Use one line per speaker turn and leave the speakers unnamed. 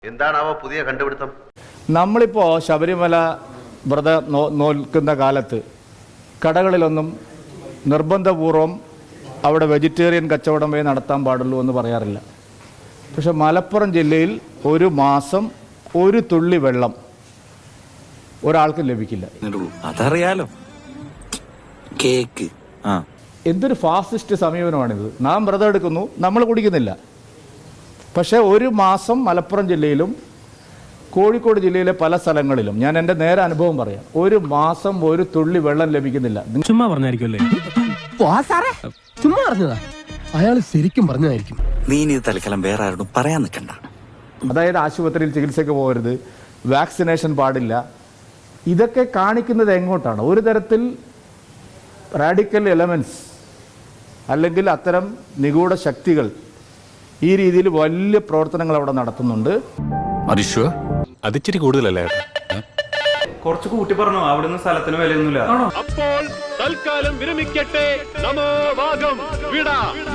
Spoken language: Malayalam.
എന്താണാവോ പുതിയ കണ്ടുപിടുത്തം?
നമ്മളിപ്പോൾ ശബരിമല വ്രതം നോൽക്കുന്ന കാലത്ത് കടകളിലൊന്നും നിർബന്ധപൂർവം അവിടെ വെജിറ്റേറിയൻ കച്ചവടമേ നടത്താൻ പാടുള്ളൂ എന്ന് പറയാറില്ല. പക്ഷെ മലപ്പുറം ജില്ലയിൽ ഒരു മാസം ഒരു തുള്ളി വെള്ളം ഒരാൾക്കും ലഭിക്കില്ല.
അതറിയാലോ. കേക്ക്
എന്തൊരു ഫാസിസ്റ്റ് സമീപനമാണിത്. നാം വ്രതം എടുക്കുന്നു, നമ്മൾ കുടിക്കുന്നില്ല. പക്ഷേ ഒരു മാസം മലപ്പുറം ജില്ലയിലും കോഴിക്കോട് ജില്ലയിലെ പല സ്ഥലങ്ങളിലും, ഞാൻ എൻ്റെ നേരെ അനുഭവം പറയാം, ഒരു മാസം ഒരു തുള്ളി വെള്ളം ലഭിക്കുന്നില്ല.
ചുമ്മാ പറഞ്ഞായിരിക്കുമല്ലേ? ചുമ്മാ പറഞ്ഞതാ, അയാൾ ശരിക്കും പറഞ്ഞതായിരിക്കും.
നീ ഇത് തൽക്കാലം വേറെ ആരോടും പറയാൻ നിൽക്കണ്ട.
അതായത് ആശുപത്രിയിൽ ചികിത്സയ്ക്ക് പോകരുത്, വാക്സിനേഷൻ പാടില്ല. ഇതൊക്കെ കാണിക്കുന്നത് എങ്ങോട്ടാണ്? ഒരു തരത്തിൽ റാഡിക്കൽ എലമെന്റ്സ് അല്ലെങ്കിൽ അത്തരം നിഗൂഢ ശക്തികൾ ഈ രീതിയിൽ വലിയ പ്രവർത്തനങ്ങൾ അവിടെ നടത്തുന്നുണ്ട്.
അതിച്ചിരി കൂടുതലല്ലേ?
കുറച്ച് കൂട്ടി പറഞ്ഞു. അവിടുന്ന് സ്ഥലത്തിന് വിലയൊന്നുമില്ല.
അപ്പോൾ തൽക്കാലം വിരമിക്കട്ടെ. നമോ വാഗം വിട.